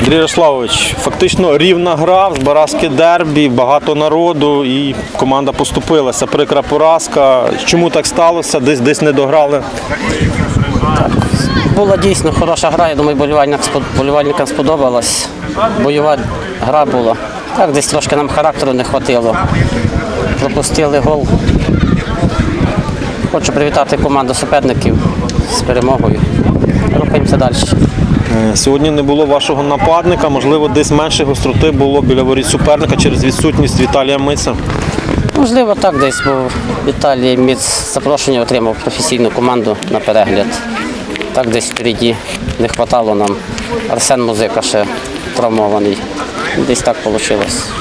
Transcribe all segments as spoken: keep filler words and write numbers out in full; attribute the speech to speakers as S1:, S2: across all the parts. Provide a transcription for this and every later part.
S1: Андрій Ярославович, фактично рівна гра, в Збаразьке дербі, багато народу і команда поступилася. Прикра поразка. Чому так сталося? Десь десь не дограли?
S2: Була дійсно хороша гра, я думаю, болівальникам, болівальникам сподобалась. Бойова гра була. Так, десь трошки нам характеру не вистачило. Пропустили гол. Хочу привітати команду суперників з перемогою. Рухаємося далі.
S1: Сьогодні не було вашого нападника, можливо, десь менше гостроти було біля воріт суперника через відсутність Віталія Миця.
S2: Можливо, так десь, бо Віталій Міц запрошення отримав професійну команду на перегляд. Так десь впереді не вистачало нам. Арсен Музика ще травмований. Десь так вийшло.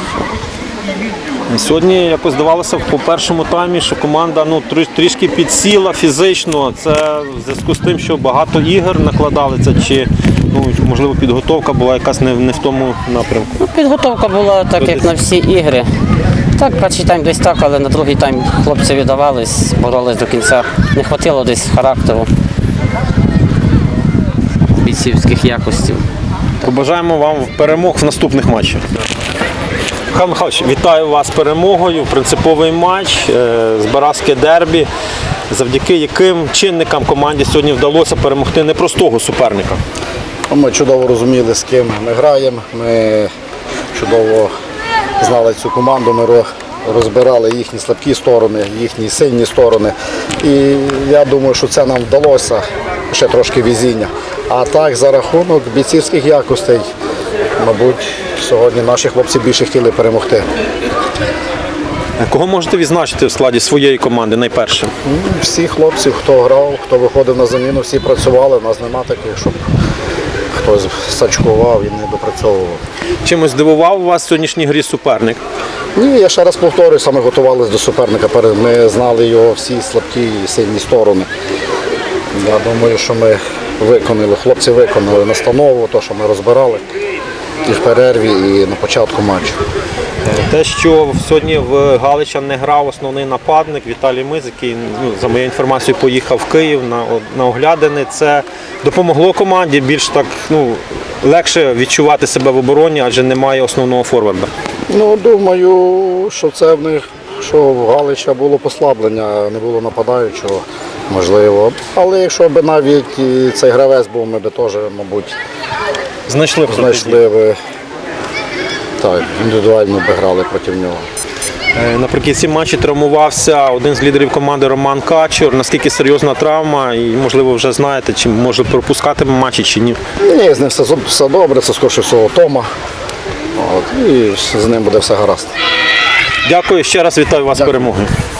S1: Сьогодні якось здавалося по першому таймі, що команда ну, трішки підсіла фізично. Це в зв'язку з тим, що багато ігор накладали, це чи ну, можливо підготовка була якась не, не в тому напрямку?
S2: Ну, підготовка була так, як на всі ігри. Так, перший тайм десь так, але на другий тайм хлопці віддавались, боролись до кінця. Не вистачило десь характеру, бійцівських якостей.
S1: Побажаємо вам перемог в наступних матчах. Михайло Михайлович, вітаю вас з перемогою, принциповий матч, Збаразьке дербі, завдяки яким чинникам команді сьогодні вдалося перемогти непростого суперника.
S3: Ми чудово розуміли, з ким ми граємо, ми чудово знали цю команду, ми розбирали їхні слабкі сторони, їхні сильні сторони. І я думаю, що це нам вдалося, ще трошки везіння. А так, за рахунок бійцівських якостей, мабуть, сьогодні наші хлопці більше хотіли перемогти.
S1: Кого можете відзначити в складі своєї команди найперше?
S3: Всі хлопці, хто грав, хто виходив на заміну, всі працювали. У нас немає таких, щоб хтось сачкував і не допрацьовував.
S1: Чимось здивував вас в сьогоднішній грі суперник?
S3: Ні, я ще раз повторюю, саме готувалися до суперника. Ми знали його всі слабкі і сильні сторони. Я думаю, що ми виконали, хлопці виконали настанову, те, що ми розбирали і в перерві, і на початку матчу.
S1: Те, що сьогодні в Галича не грав основний нападник Віталій Миць, який, ну, за моєю інформацією, поїхав в Київ на, на оглядини, це допомогло команді більш так, ну, легше відчувати себе в обороні, адже немає основного форварда.
S3: Ну, думаю, що це в них, що в Галича було послаблення, не було нападаючого, можливо. Але якщо б навіть і цей гравець був, ми б теж, мабуть,
S1: Знайшли б
S3: знайшли б, так, індивідуально б грали проти нього.
S1: Е, Наприкінці матчі травмувався один з лідерів команди Роман Качур. Наскільки серйозна травма і, можливо, вже знаєте, чи може пропускати матчі, чи ні?
S3: Ні, з ним все, все добре, це скоріше всього Тома. От, і з ним буде все гаразд.
S1: Дякую, ще раз вітаю вас з перемогою.